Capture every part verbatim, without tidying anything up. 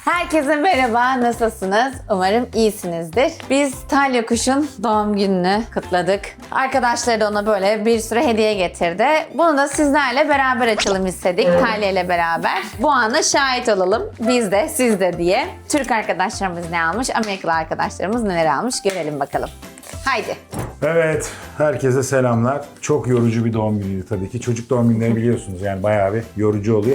Herkese merhaba, nasılsınız? Umarım iyisinizdir. Biz Talya Kuş'un doğum gününü kutladık. Arkadaşları da ona böyle bir sürü hediye getirdi. Bunu da sizlerle beraber açalım istedik, Talya ile beraber. Bu ana şahit olalım, biz de, siz de diye. Türk arkadaşlarımız ne almış, Amerikalı arkadaşlarımız neler almış görelim bakalım. Haydi. Evet, herkese selamlar. Çok yorucu bir doğum günüydü tabii ki. Çocuk doğum günleri biliyorsunuz yani bayağı bir yorucu oluyor.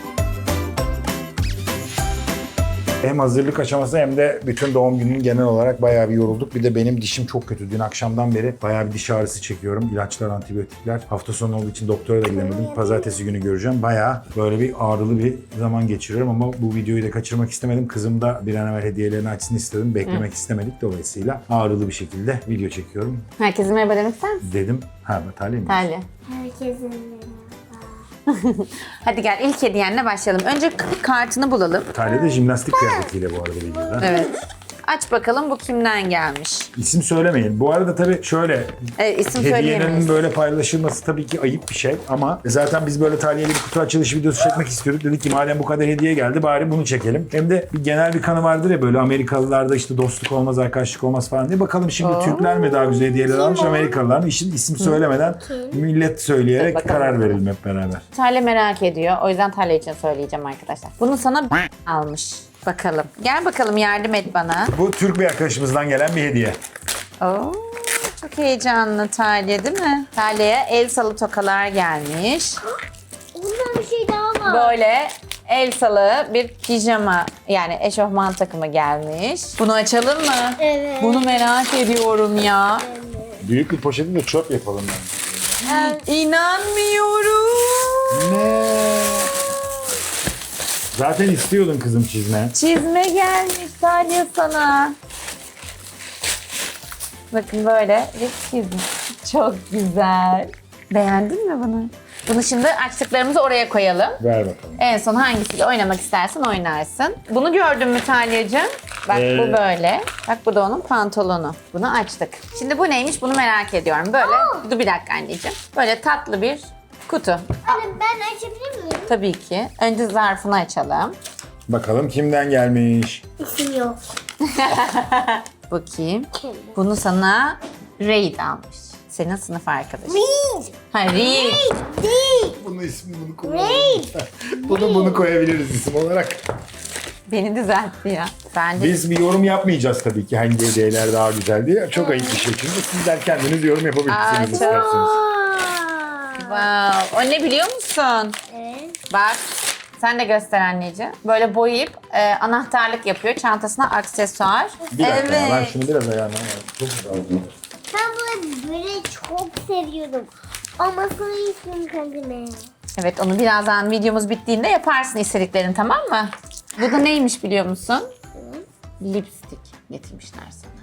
Hem hazırlık aşaması hem de bütün doğum gününün genel olarak bayağı bir yorulduk. Bir de benim dişim çok kötü. Dün akşamdan beri bayağı bir diş ağrısı çekiyorum. İlaçlar, antibiyotikler. Hafta sonu olduğu için doktora da gidemedim. Pazartesi günü göreceğim. Bayağı böyle bir ağrılı bir zaman geçiriyorum ama bu videoyu da kaçırmak istemedim. Kızım da bir an evvel hediyelerini açsın istedim. Beklemek Hı. istemedik. Dolayısıyla ağrılı bir şekilde video çekiyorum. Herkese merhaba demek ister misin? Dedim. Ha, Talya mı? Talya. Herkese merhaba. Hadi gel ilk hediyenle başlayalım. Önce kartını bulalım. Talya da jimnastik kıyafetiyle bu arada videoda. Evet. Aç bakalım bu kimden gelmiş? İsim söylemeyin. Bu arada tabii şöyle, Evet, isim hediyenin söyleyemeyiz. böyle paylaşılması tabii ki ayıp bir şey ama zaten biz böyle Talya'yla bir kutu açılışı videosu çekmek istiyorduk. Dedik ki madem bu kadar hediye geldi bari bunu çekelim. Hem de bir genel bir kanı vardır ya böyle Amerikalılarda işte dostluk olmaz, arkadaşlık olmaz falan diye. Bakalım şimdi Oo. Türkler mi daha güzel hediyeler almış, Amerikalılar mı? İşin isim söylemeden millet söyleyerek Bakalım. karar verelim hep beraber. Talya merak ediyor. O yüzden Talya için söyleyeceğim arkadaşlar. Bunu sana almış. Bakalım. Gel bakalım yardım et bana. Bu Türk bir arkadaşımızdan gelen bir hediye. Oo, çok heyecanlı Talya değil mi? Talya'ya el salı tokalar gelmiş. Bundan bir şey daha var. Böyle el salı bir pijama yani eşofman takımı gelmiş. Bunu açalım mı? Evet. Bunu merak ediyorum ya. Büyük bir poşeti de çöp yapalım bence. İnanmıyorum. Ne? Zaten istiyordun kızım çizme. Çizme gelmiş Talya sana. Bakın böyle bir çizme. Çok güzel. Beğendin mi bunu? Bunu şimdi açtıklarımızı oraya koyalım. Ver bakalım. En son hangisiyle oynamak istersen oynarsın. Bunu gördün mü Talya'cığım? Bak Ee... bu böyle. Bak bu da onun pantolonu. Bunu açtık. Şimdi bu neymiş bunu merak ediyorum. Böyle, dur bir dakika anneciğim. Böyle tatlı bir kutu. Anne ben açabilir miyim? Tabii ki. Önce zarfını açalım. Bakalım kimden gelmiş? İsim yok. Bu kim? Bunu sana Reid almış. Senin sınıf arkadaşın. Reed. Ha Reid. Değil. Bunun ismini bunu kullanabiliriz. bunu bunu koyabiliriz isim olarak. Beni düzeltti ya. Ben de... Biz bir yorum yapmayacağız tabii ki hangi hediyeler daha güzel diye. Çok ayıp bir şey çünkü sizler kendiniz yorum Aa, yapabilirsiniz çok- isterseniz. Wow. O ne biliyor musun? Evet. Bak. Sen de göster anneciğim. Böyle boyayıp e, anahtarlık yapıyor. Çantasına aksesuar. Bir dakika evet. ben şunu biraz ayağına çok güzel oldu. Ben bunu böyle çok seviyordum. Ama sana isim kendime. Evet onu birazdan videomuz bittiğinde yaparsın istediklerini tamam mı? Bu da neymiş biliyor musun? Lipstick getirmişler sana.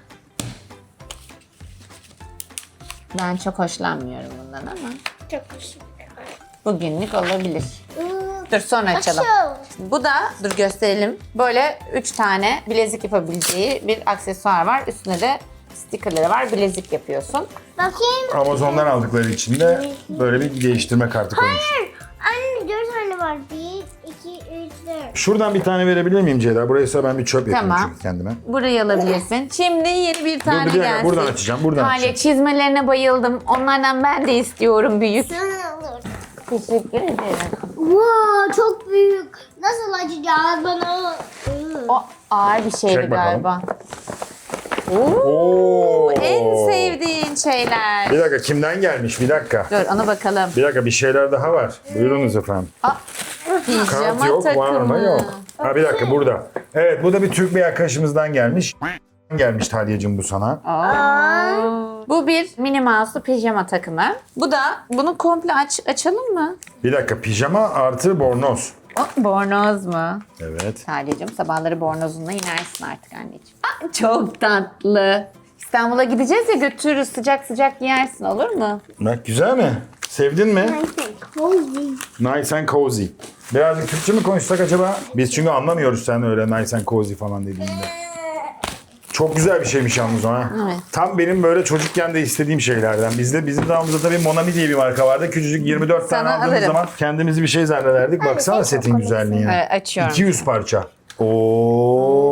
Ben çok hoşlanmıyorum bundan ama Çok hoşum. bugünlük olabilir. Dur sonra açalım. Bu da dur gösterelim. Böyle üç tane bilezik yapabileceği bir aksesuar var. Üstüne de stickerları var. Bilezik yapıyorsun. Bakayım. Amazon'dan aldıkları için de böyle bir değiştirme kartı koymuş. Anne dört tane var. Bir, iki, üç, dört. Şuradan bir tane verebilir miyim Ceyda? Buraysa ben bir çöp yapayım Tamam. çünkü kendime. Burayı alabilirsin. Şimdi yeni bir tane bir dakika, gelsin. buradan açacağım, buradan Talya, açacağım. çizmelerine bayıldım. Onlardan ben de istiyorum büyük. Sana olur. Teşekkür ederim. Wow, çok büyük. Nasıl açacağız bana? O ağır bir şeydi Çek bakalım. galiba. Oo, Oo. en sevdiğin şeyler. Bir dakika kimden gelmiş? Bir dakika. Dur ona bakalım. Bir dakika bir şeyler daha var. Buyurunuz efendim. Aa, pijama Kart yok, takımı. var mı? Yok. Ha bir dakika burada. Evet bu da bir Türk bir arkadaşımızdan gelmiş. Gelmiş Talya'cığım bu sana. Aa. Bu bir Minnie Mouse'lu pijama takımı. Bu da bunu komple aç açalım mı? Bir dakika pijama artı bornoz. O, bornoz mu? Evet. Talya'cığım sabahları bornozunla inersin artık anneciğim. Aa, çok tatlı. İstanbul'a gideceğiz ya götürürüz sıcak sıcak giyersin olur mu? Bak güzel mi? Sevdin mi? Cozy. Nice and cozy. Birazcık Türkçe mi konuşsak acaba? Biz çünkü anlamıyoruz sen öyle nice and cozy falan dediğinde. Çok güzel bir şeymiş yalnız o ha. Evet. Tam benim böyle çocukken de istediğim şeylerden. Bizde bizim zamanımızda tabii Monami diye bir marka vardı. Küçücük yirmi dört tane Sana aldığımız alırım. zaman kendimizi bir şey zannederdik. Baksana sen çok setin komiksin. güzelliğine. Evet, açıyorum. iki yüz parça. Oo.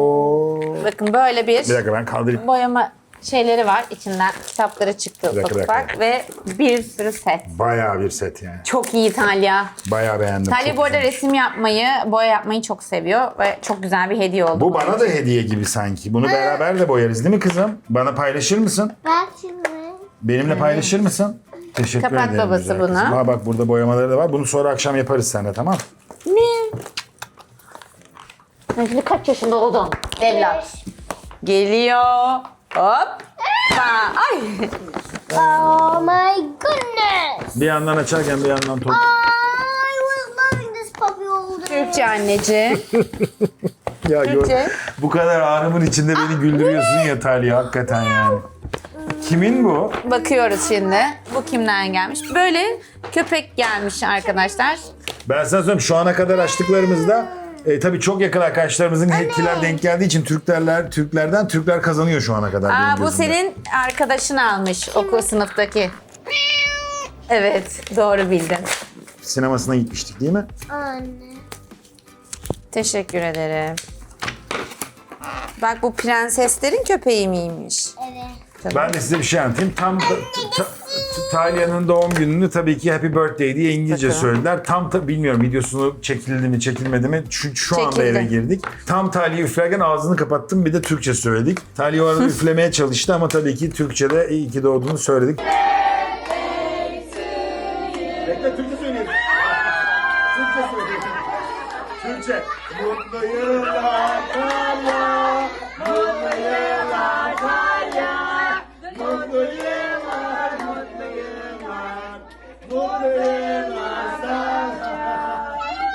Bakın böyle bir, Bir dakika ben kaldırayım. boyama şeyleri var. İçinden kitapları çıktı Bir dakika, ufak bir dakika. ufak ve bir sürü set. Bayağı bir set yani. Çok iyi Talya. Bayağı beğendim. Talya çok bu arada güzelmiş. resim yapmayı, boya yapmayı çok seviyor ve çok güzel bir hediye oldu. Bu bana da hediye gibi sanki. Bunu beraber de boyarız değil mi kızım? Bana paylaşır mısın? Bak şimdi. Benimle paylaşır mısın? Teşekkür Kapat ederim. babası güzel bunu. kızım. Ha bak burada boyamaları da var. Bunu sonra akşam yaparız seninle, tamam? Ne? Sen şimdi kaç yaşında oldun evlat? Geliyor. Hop. Ay. Oh my goodness. Bir yandan açarken bir yandan top. I was loving this puppy all day. Türkçe anneciğim. Ya gör, Türkçe. bu kadar ağrımın içinde beni güldürüyorsun ya Talya, hakikaten yani. Kimin bu? Bakıyoruz şimdi. Bu kimden gelmiş? Böyle köpek gelmiş arkadaşlar. Ben sana söyleyeyim, şu ana kadar açtıklarımızda e, tabii çok yakın arkadaşlarımızın hetkiler denk geldiği için Türklerler Türklerden Türkler kazanıyor şu ana kadar. Aa, benim bu gözümde. senin arkadaşın almış okul sınıftaki. Evet, doğru bildin. Sinemasına gitmiştik değil mi? Anne. Teşekkür ederim. Bak bu prenseslerin köpeği miymiş? Evet. Ben de size bir şey anlatayım. Tam ta, ta, Talya'nın doğum gününü tabii ki Happy Birthday diye İngilizce Bakalım. söylediler. Tam ta, bilmiyorum videosunu çekildi mi çekilmedi mi. Şu, şu anda Çekildi. eve girdik. Tam Talya üflerken ağzını kapattım, bir de Türkçe söyledik. Talya o arada üflemeye çalıştı ama tabii ki Türkçe'de iyi ki doğduğunu söyledik. Bekle, Türkçe söyleyelim. Türkçe söyleyelim. Türkçe. Mutlu yıllar Talya. Mutlu yıllar Talya. Mutlu yıllar, mutlu yıllar. Mutlu yıllar sana.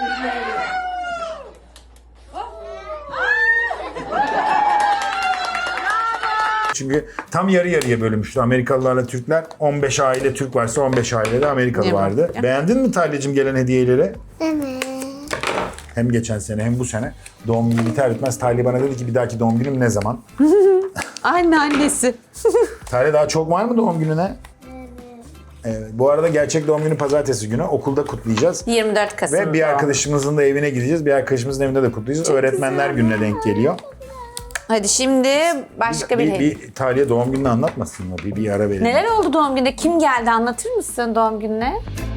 Çünkü tam yarı yarıya bölünmüştü. Amerikalılarla Türkler. on beş aile Türk varsa on beş ailede Amerikalı Ne var? vardı. Beğendin mi Talya'cığım gelen hediyeleri? Evet. Hem geçen sene hem bu sene. Doğum günü biter bitmez Talya bana dedi ki bir dahaki doğum günüm ne zaman? Anne annesi. Talya daha çok var mı doğum gününe? Evet. Bu arada gerçek doğum günü pazartesi günü. Okulda kutlayacağız. yirmi dört Kasım. Ve bir arkadaşımızın da evine gideceğiz. Bir arkadaşımızın evinde de kutlayacağız. Öğretmenler gününe denk geliyor. Hadi şimdi başka bir, bir, hediye. bir Talya doğum gününü anlatmasın mı? Bir, bir ara verelim. Neler oldu doğum gününde? Kim geldi? Anlatır mısın doğum gününe?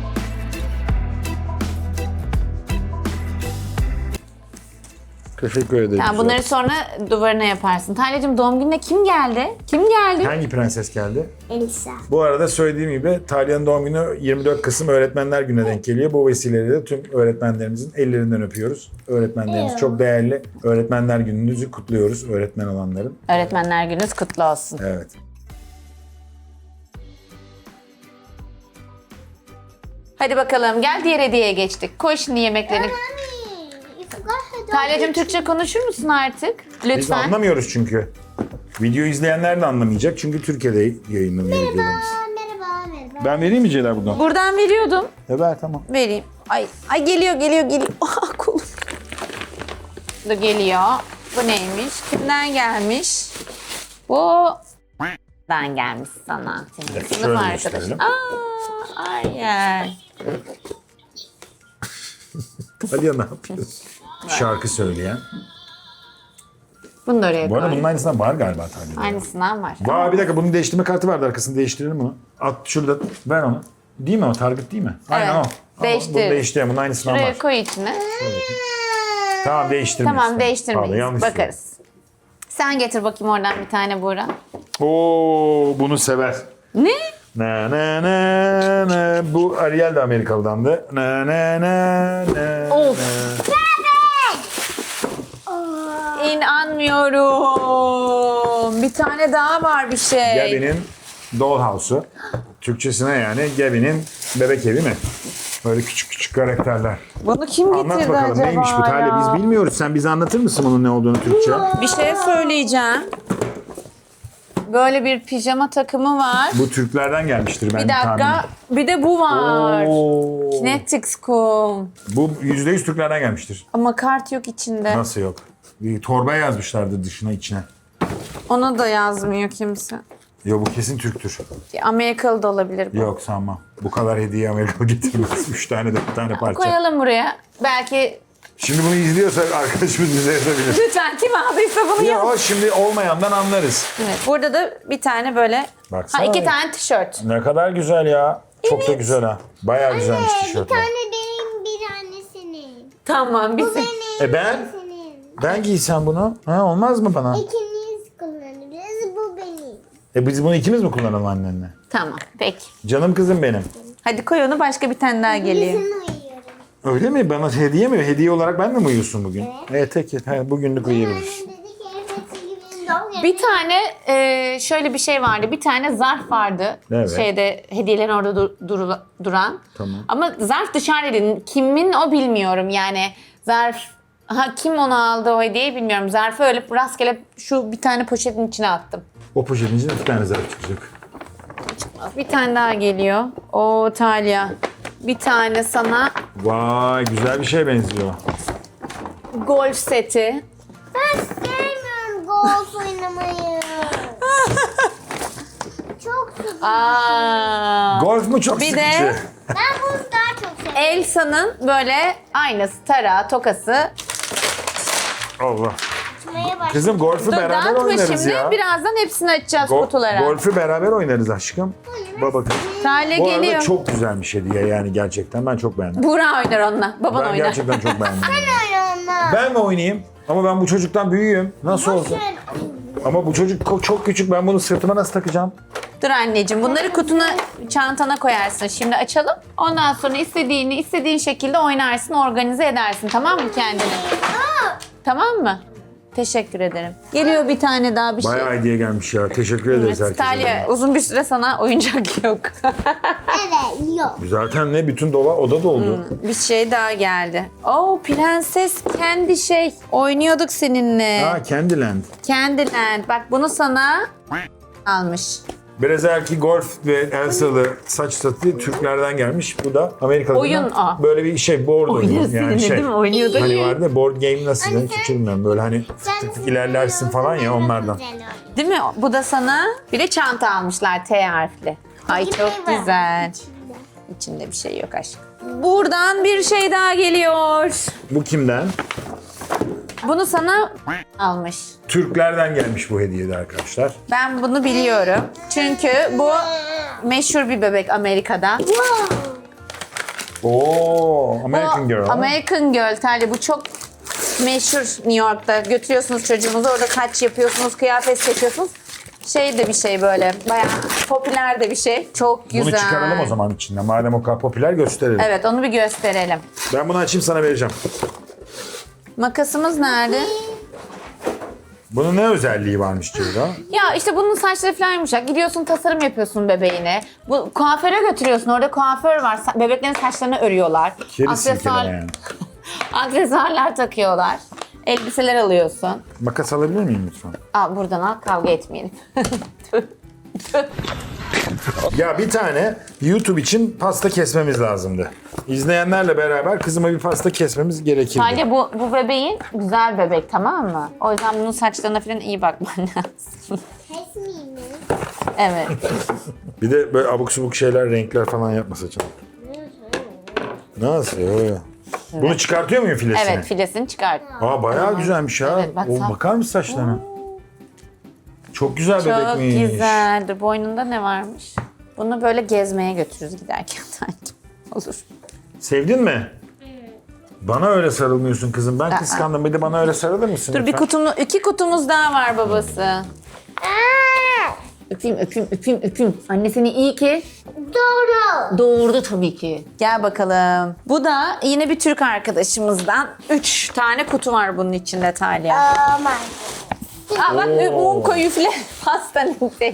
Teşekkür ederim. Yani bunları sonra duvarına yaparsın. Talya'cığım doğum gününe kim geldi? Kim geldi? Hangi prenses geldi? Elisa. Bu arada söylediğim gibi Talya'nın doğum günü yirmi dört Kasım Öğretmenler Günü'ne denk geliyor. Bu vesileyle de tüm öğretmenlerimizin ellerinden öpüyoruz. Öğretmenlerimiz çok değerli. Öğretmenler Günü'nüzü kutluyoruz öğretmen olanların. Öğretmenler gününüz kutlu olsun. Evet. Hadi bakalım gel diğer hediyeye geçtik. Koy şimdi yemeklerini. Mommy, you forgot her dog. Talya'cığım Türkçe konuşur musun artık? Biz Lütfen. anlamıyoruz çünkü. Video izleyenler de anlamayacak çünkü Türkiye'de yayınlanıyor videolarımız. Merhaba, merhaba. Ben vereyim mi Ceyda buradan? Buradan veriyordum. E ver tamam. Vereyim. Ay, ay geliyor geliyor geliyor. Ah kolum. Bu geliyor. Bu neymiş? Kimden gelmiş? Bu dan gelmiş sana. Senin dakika, sınıf şöyle arkadaşın. gösterelim. Aa, Arya. Hadi ya ne yapıyorsun? Şarkı söyleyen. Bunu da oraya Bu arada koy. bunun aynısından var galiba Talya'da. Aynısından var. Vay bir dakika bunun değiştirme kartı vardı arkasını değiştirelim bunu. At şurada ver onu. Değil mi o target değil mi? Aynen Evet, o. değiştir. Bunu değiştirelim bunun aynısından Şuraya var. koy içine. Tamam değiştirmeyiz. Tamam değiştirmeyiz. Pardon, yanlış Bakarız. Sen getir bakayım oradan bir tane Buğra. Oo bunu sever. Ne? Na na na na. Bu Ariel de Amerikalı'dandı. Na na na na. Of. na. İnanmıyorum. Bir tane daha var bir şey. Gabby'nin Dollhouse'u. Türkçesine yani Gabby'nin bebek evi mi? Böyle küçük küçük karakterler. Bunu kim getirdi Anlat bakalım acaba neymiş bu Talya? ya? Biz bilmiyoruz. Sen bize anlatır mısın bunun ne olduğunu Türkçe? Bir şey söyleyeceğim. Böyle bir pijama takımı var. Bu Türklerden gelmiştir ben Bir dakika. Bir de bu var. Oo. Kinetics kum. Bu yüzde yüz Türklerden gelmiştir. Ama kart yok içinde. Nasıl yok? Bir torba yazmışlardı dışına içine. Ona da yazmıyor kimse. Yo bu kesin Türktür. Amerikalı da olabilir bu. Yok sanmam. Bu kadar hediye Amerikalı getirmez. Üç tane de bir tane parça. Koyalım buraya. Belki Şimdi bunu izliyorsa arkadaşımız bize yazabilir. Lütfen kim aldıysa bunu Ya yaz. o şimdi olmayandan anlarız. Evet, burada da bir tane böyle, Baksana. ha, iki tane tişört. Ne kadar güzel ya. Çok da güzel ha. Bayağı güzelmiş Bir tişörtler. tane benim, bir tane senin. Tamam, bir Bu benim, E ben? bu senin. Ben giysem bunu. Ha, olmaz mı bana? İkimiz kullanırız, bu benim. E biz bunu ikimiz mi kullanalım annenle? Tamam, peki. Canım kızım benim. Hadi koy onu, başka bir tane daha geliyor. Bizim uyuyorum. Öyle mi? Bana hediye mi? Hediye olarak ben de mi uyuyorsun bugün? Evet. E, tek ha, bugünlük uyuyabiliriz. Annem dedi ki evet, gibi doğum günü. Bir tane e, şöyle bir şey vardı. Bir tane zarf vardı. Evet. Şeyde hediyelerin orada dur- duru- duran. Tamam. Ama zarf dışarıdaydı. Kimin o bilmiyorum. Yani zarf, ha, kim onu aldı o hediyeyi bilmiyorum. Zarfı öyle rastgele şu bir tane poşetin içine attım. O poşetin içinde iki tane zarf çıkacak. Bir tane daha geliyor. O Talya. Bir tane sana Vay, güzel bir şeye benziyor. golf seti. Ben sevmiyorum golf oynamayı. Çok sıkıcı. Aa. Golf mu çok Bir sıkıcı? de- Ben bunu daha çok seviyorum. Elsa'nın böyle aynası, tarağı, tokası. Allah. Açmaya başladım. Kızım golfü Dur, beraber dağıtma oynarız şimdi. ya. Birazdan hepsini açacağız Go- kutulara. golfü beraber oynarız aşkım. Bak bakın. Talya Bu arada geliyor. çok güzelmiş hediye yani gerçekten. Ben çok beğendim. Buğra oynar onunla. Baban Ben oynar. gerçekten çok beğendim. Ben onunla. Ben mi oynayayım? Ama ben bu çocuktan büyüğüm. Nasıl olsa. Boşver. Ama bu çocuk ko- çok küçük. Ben bunu sırtıma nasıl takacağım? Dur anneciğim, bunları kutuna, çantana koyarsın. Şimdi açalım. Ondan sonra istediğini istediğin şekilde oynarsın, organize edersin. Tamam mı kendini? Tamam mı? Teşekkür ederim. Geliyor bir tane daha bir şey. Bayağı hediye gelmiş ya. Teşekkür ederiz herkese. Talya, uzun bir süre sana oyuncak yok. Evet, yok. Zaten ne bütün dola oda doldu. Bir şey daha geldi. Oo, prenses kendi şey. Oynuyorduk seninle. Ha, Candyland. Candyland. Bak bunu sana almış. Berezerki Golf ve Elsa'lı saç satı Türklerden gelmiş. Bu da Amerikalı'dan. Oyun o. Böyle bir şey board oyunu. Oynuyor seninle şey. değil mi? Oynuyorduk. Hani vardı ya, board game nasıl yani hiç bilmiyorum. Böyle hani Sen tık tık ilerlersin falan ya onlardan. Değil mi? Bu da sana bir de çanta almışlar T harfli. Ay çok güzel. İçinde bir şey yok aşkım. Buradan bir şey daha geliyor. Bu kimden? Bunu sana almış. Türklerden gelmiş bu hediyede arkadaşlar. Ben bunu biliyorum. Çünkü bu meşhur bir bebek Amerika'da. Oo, American Bu Girl. American Girl Talya, bu çok meşhur New York'ta. Götürüyorsunuz çocuğunuzu, orada kaç yapıyorsunuz, kıyafet seçiyorsunuz. Şey de bir şey böyle, bayağı popüler de bir şey. Çok güzel. Bunu çıkaralım o zaman içinden. Madem o kadar popüler gösterelim. Evet, onu bir gösterelim. Ben bunu açayım sana vereceğim. Makasımız nerede? Bunun ne özelliği varmış Ceyda? Ya işte bunun saçları falan yumuşak. Gidiyorsun tasarım yapıyorsun bebeğine. Bu kuaföre götürüyorsun. Orada kuaför var. Sa- Bebeklerin saçlarını örüyorlar. Kedi silkeleme yani. Aksesuarlar takıyorlar. Elbiseler alıyorsun. Makas alabilir miyim lütfen? Al buradan al, kavga etmeyelim. Ya bir tane YouTube için pasta kesmemiz lazımdı. İzleyenlerle beraber kızıma bir pasta kesmemiz gerekirdi. Sadece bu, bu bebeğin güzel bebek, tamam mı? O yüzden bunun saçlarına falan iyi bakman lazım. Kesmeyeyim mi? Evet. Bir de böyle abuk subuk şeyler, renkler falan yapma saçına. Nasıl? Yo, yo. Bunu çıkartıyor muyum filesini? Evet, filesini çıkart. Aa bayağı güzelmiş ha. Evet, bak o, sen- bakar mısın saçlarına? Çok güzel Çok bebekmiş. güzel. Dur, boynunda ne varmış? Bunu böyle gezmeye götürürüz giderken sanki. Olur. Sevdin mi? Bana öyle sarılmıyorsun kızım. Ben kıskandım. Bir de bana öyle sarılır mısın Dur, bir lütfen? kutumu, iki kutumuz daha var babası. Aa, Öpeyim, öpeyim, öpeyim, öpeyim. Anne seni iyi ki doğru. doğurdu tabii ki. Gel bakalım. Bu da yine bir Türk arkadaşımızdan. Üç tane kutu var bunun içinde Talya. Oh my God. Aa, bak Oo. mum koy, üfle. Pastanın şey.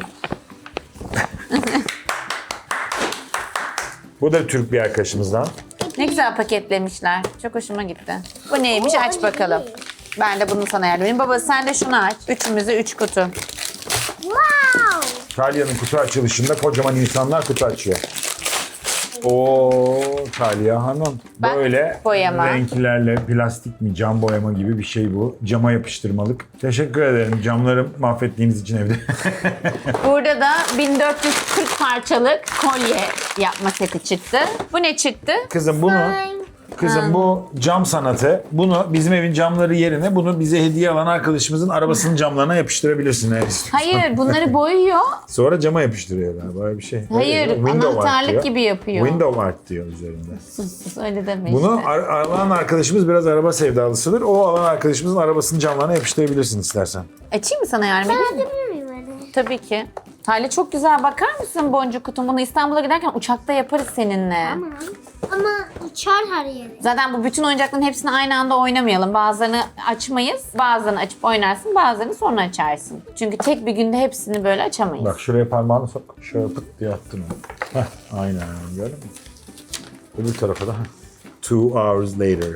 Bu da Türk bir arkadaşımızdan. Ne güzel paketlemişler. Çok hoşuma gitti. Bu neymiş? Aç bakalım. Ben de bunu sana yardım edeyim. Baba sen de şunu aç. Üçümüze üç kutu. Wow. Talya'nın kutu açılışında kocaman insanlar kutu açıyor. Oo, Talya Hanım. Bak, Böyle boyama. renklerle plastik mi cam boyama gibi bir şey bu. Cama yapıştırmalık. Teşekkür ederim camları mahvettiğiniz için evde. Burada da bin dört yüz kırk parçalık kolye yapma seti çıktı. Bu ne çıktı? Kızım bunu Kızım bu cam sanatı. Bunu bizim evin camları yerine bunu bize hediye alan arkadaşımızın arabasının camlarına yapıştırabilirsin eğer istiyorsan. Hayır, bunları boyuyor. Sonra cama yapıştırıyor galiba böyle bir şey. Hayır, Öyle diyor. Window art anahtarlık diyor. gibi yapıyor. Window art diyor üzerinde. Sus sus, öyle deme Bunu işte. ar- alan arkadaşımız biraz araba sevdalısıdır. O alan arkadaşımızın arabasının camlarına yapıştırabilirsin istersen. Açayım mı sana yardım edeyim mi? Yapabilir miyim anne? Tabii ki. Talya çok güzel. Bakar mısın boncuk kutum? Bunu İstanbul'a giderken uçakta yaparız seninle. Tamam. Ama uçar her yere. Zaten bu bütün oyuncakların hepsini aynı anda oynamayalım. Bazılarını açmayız. Bazılarını açıp oynarsın. Bazılarını sonra açarsın. Çünkü tek bir günde hepsini böyle açamayız. Bak şuraya parmağını sok. Şöyle pıt diye attın onu. Heh, aynen gördün mü? Öbür tarafa da. Two hours later.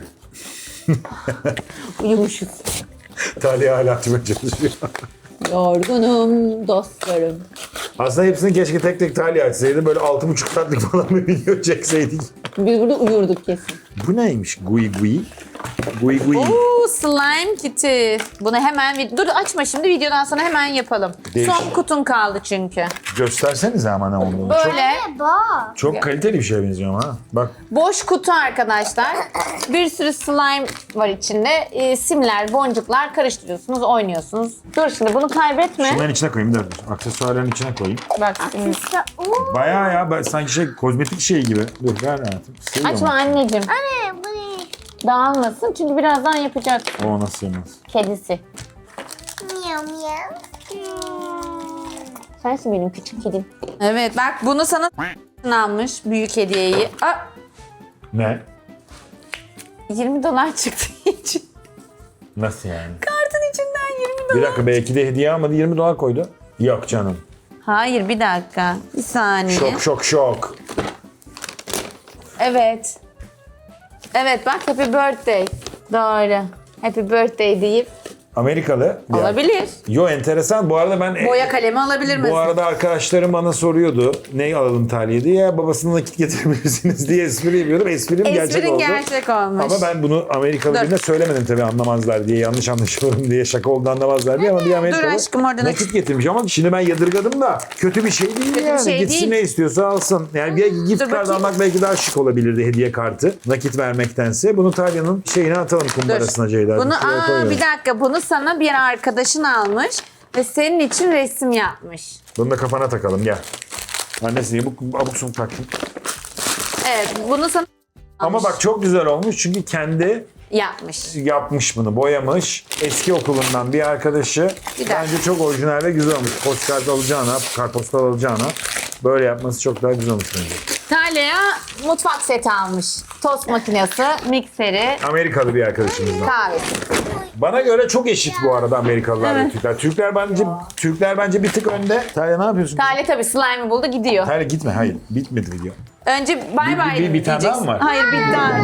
Uyumuşuz. Talya hala açmaya çalışıyor. Yorgunum dostlarım. Aslında hepsini keşke tek tek Talya açsaydı. Böyle altı buçuk saatlik falan bir video çekseydik. Biz burada uyurduk kesin. Bu neymiş? Gui gui. Gui gui. Oo, slime kiti. Bunu hemen vid- dur açma şimdi, videodan sonra hemen yapalım. Değişik. Son kutun kaldı çünkü. Göstersenize ama ne olduğunu. Çok, Böyle Anne bak. çok kaliteli bir şeye benziyor ama ha. Bak boş kutu arkadaşlar. Bir sürü slime var içinde. Ee, simler, boncuklar karıştırıyorsunuz, oynuyorsunuz. Dur şimdi bunu kaybetme. şunların içine koyayım. Dur, dur. Aksesuarların içine koyayım. Bak şimdi. Kısa. Oo. Bayağı ya ben- sanki şey kozmetik şey gibi. Dur ver hayatım. Seviyorum. Açma anneciğim. Anne bu ne? Dağılmasın çünkü birazdan yapacak O nasıl yemez? kedisi. Miyav miyav. Hmm. Sensin benim küçük kedim. Evet bak bunu sana almış büyük hediyeyi. Aa, Ne? yirmi dolar çıktı için. Nasıl yani? Kartın içinden yirmi dolar. Bir dakika belki de hediye almadı yirmi dolar koydu. Yok canım. Hayır bir dakika. Bir saniye. Şok şok şok. Evet. Evet bak happy birthday. Doğru. Happy birthday deyip Amerikalı. bir olabilir. Yo enteresan. Bu arada ben Boya kalemi alabilir misin? bu arada arkadaşlarım bana soruyordu. Ne alalım Talya diye. Ya babasına nakit getirebilirsiniz diye espri yapıyordum. Esprim gerçek Esprin oldu. gerçek olmuş. Ama ben bunu Amerikalı Dur. birine söylemedim tabii anlamazlar diye. Yanlış anlaşılırım diye şaka oldu anlamazlar diye. Ama bir Amerikalı aşkım, oradan aç. nakit getirmiş. Ama şimdi ben yadırgadım da kötü bir şey değil Kötü bir yani. şey Gitsin değil. ne istiyorsa alsın. Yani bir gift dur card bakayım. almak belki daha şık olabilirdi hediye kartı. Nakit vermektense. Bunu Talya'nın şeyine atalım kumbarasına Ceyda. Bunu Şuraya aa, koyuyorum. bir dakika bunu sana bir arkadaşın almış ve senin için resim yapmış. Bunu da kafana takalım gel. Annesi niye bu abuk sabuk taktın? Evet bunu sana Ama bak çok güzel olmuş çünkü kendi yapmış. yapmış bunu, boyamış. Eski okulundan bir arkadaşı. Bir dakika. Bence çok orijinal ve güzel olmuş. Postkart alacağına, kartpostal alacağına böyle yapması çok daha güzel olmuş bence. Talya'ya mutfak seti almış. Tost makinesi, mikseri, Amerikalı bir arkadaşımızdan. kahvesi. Bana göre çok eşit bu arada Amerikalılar ve Evet. Türkler. Türkler bence Türkler bence bir tık önde. Talya ne yapıyorsun? Talya tabii slime'ı buldu gidiyor. Talya gitme, hayır. Bitmedi video. Önce bay Bir- bay bir- bir tane daha diyeceksin. mı var? Hayır bir tane.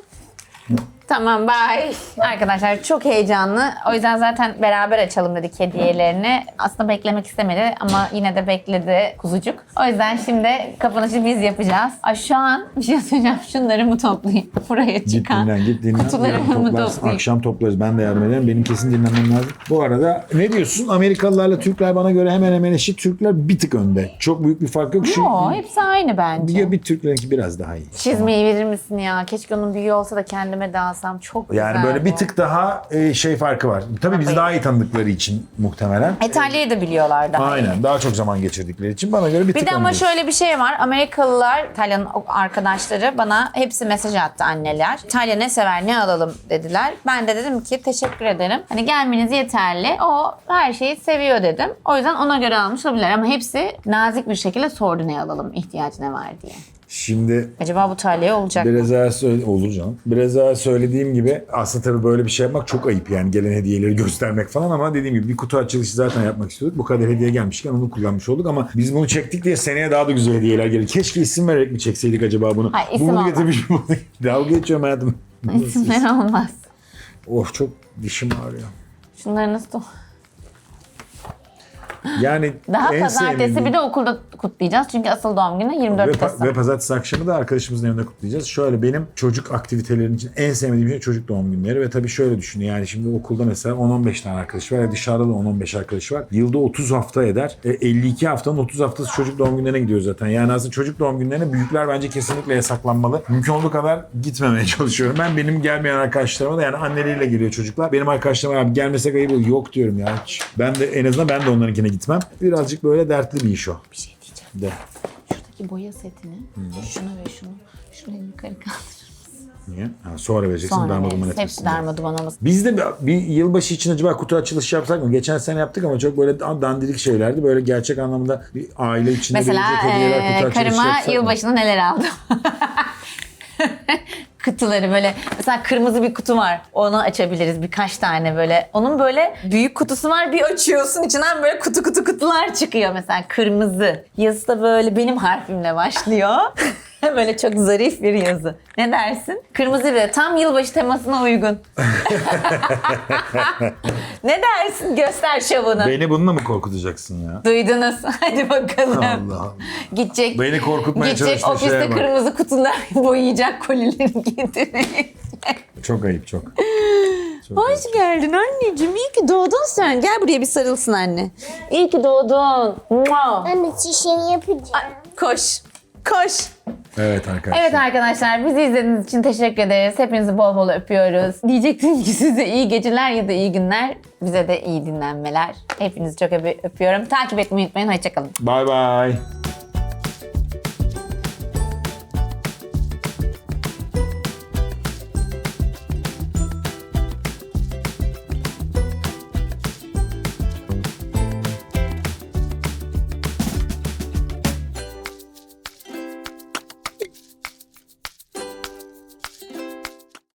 Tamam bye. Arkadaşlar çok heyecanlı. O yüzden zaten beraber açalım dedik hediyelerini. Aslında beklemek istemedi ama yine de bekledi kuzucuk. O yüzden şimdi kapanışı biz yapacağız. Ay şu an bir şey söyleyeceğim. Şunları mı toplayayım? Buraya Git çıkan dinlen, git dinlen. kutuları Yarın mı toplarsın, toplayayım? akşam toplarız. Ben de yardım ederim. Benim kesin dinlenmem lazım. Bu arada ne diyorsun? Amerikalılarla Türkler bana göre hemen hemen eşit. Türkler bir tık önde. Çok büyük bir fark yok. Şu, Yo, hepsi aynı bence. bir, bir Türklerinki biraz daha iyi. Çizmeyi verir misin ya? Keşke onun büyüğü olsa da kendime de alsam. Çok güzel. Yani böyle bir bu. tık daha e, şey farkı var. Tabii bizi daha iyi tanıdıkları için muhtemelen. İtalya'yı da biliyorlar daha iyi. Aynen. Daha çok zaman geçirdikleri için bana göre bir tık Bir de ama öndeyiz. şöyle bir şey var. Amerikalılar, İtalyan arkadaşları bana hepsi mesaj attı anneler. İtalya ne sever ne alalım dediler. Ben de dedim ki teşekkür ederim. Hani gelmeniz yeterli. O her şeyi seviyor dedim. O yüzden ona göre almış olabilirler. Ama hepsi nazik bir şekilde sordu ne alalım, ihtiyacı ne var diye. Şimdi Acaba bu Talya'ya olacak mı? biraz daha söyle olur canım. Biraz daha söylediğim gibi aslında tabii böyle bir şey yapmak çok ayıp yani gelen hediyeleri göstermek falan ama dediğim gibi bir kutu açılışı zaten yapmak istiyorduk. Bu kadar hediye gelmişken onu kullanmış olduk ama biz bunu çektik diye seneye daha da güzel hediyeler gelir. Keşke isim vererek mi çekseydik acaba bunu? Hayır, isim bunu olmaz. getirmiş bunu. Dalga geçiyorum hayatım. İsimler olmaz. Oh çok dişim ağrıyor. Şunları nasıl... Yani Daha en pazartesi sevmediğim- bir de okulda kutlayacağız. Çünkü asıl doğum günü yirmi dört Ve, pa- Kasım. ve pazartesi akşamı da arkadaşımızın evinde kutlayacağız. Şöyle benim çocuk aktivitelerinin için en sevmediğim şey çocuk doğum günleri. Ve tabii şöyle düşün yani şimdi okulda mesela on on beş tane arkadaş var. Ya dışarıda da on on beş arkadaş var. Yılda otuz hafta eder. E, elli iki haftanın otuz haftası çocuk doğum günlerine gidiyor zaten. Yani aslında çocuk doğum günlerine büyükler bence kesinlikle yasaklanmalı. Mümkün olduğu kadar gitmemeye çalışıyorum. Ben benim gelmeyen arkadaşlarıma da yani anneleriyle geliyor çocuklar. Benim arkadaşlarıma abi gelmesek ayıp olur. Yok diyorum ya. Hiç. Ben de en azından ben de onlarınkine gitmem. Birazcık böyle dertli bir iş o. Bir şey diyeceğim. De. Şuradaki boya setini, şunu ve şunu, şuraya yukarı kaldır. Niye? Ha, sonra vereceksin Sonra darma duman veririz. etmesin Hepsi diye. darma duman olmasın. Biz de bir, bir yılbaşı için acaba kutu açılışı yapsak mı? Geçen sene yaptık ama çok böyle dandirik şeylerdi. Böyle gerçek anlamda bir aile içinde Mesela gelecek hediyeler eee, kutu açılışı karıma yapsak mı? yılbaşında neler aldım? Kutuları böyle mesela kırmızı bir kutu var. Onu açabiliriz birkaç tane böyle. Onun böyle büyük kutusu var. Bir açıyorsun içinden böyle kutu kutu kutular çıkıyor mesela kırmızı. Yazısı da böyle benim harfimle başlıyor. Böyle çok zarif bir yazı. Ne dersin? Kırmızı bir tam yılbaşı temasına uygun. Ne dersin? Göster şovunu. Beni bununla mı korkutacaksın ya? Duydunuz. Hadi bakalım. Allah Allah. Gidecek. Beni korkutmaya Gidecek çalıştığın ofiste şeye bak. kırmızı kutular boyayacak kolileri getirecek. Çok ayıp çok. Çok Hoş geldin anneciğim. İyi ki doğdun sen. Gel buraya bir sarılsın anne. İyi ki doğdun. Mua. Anne çişini yapacağım. Ay, koş. Koş. Evet arkadaşlar. Evet arkadaşlar bizi izlediğiniz için teşekkür ederiz. Hepinizi bol bol öpüyoruz. Diyecektim ki size iyi geceler ya da iyi günler. Bize de iyi dinlenmeler. Hepinizi çok öpüyorum. Takip etmeyi unutmayın. Hoşçakalın. Bye bye.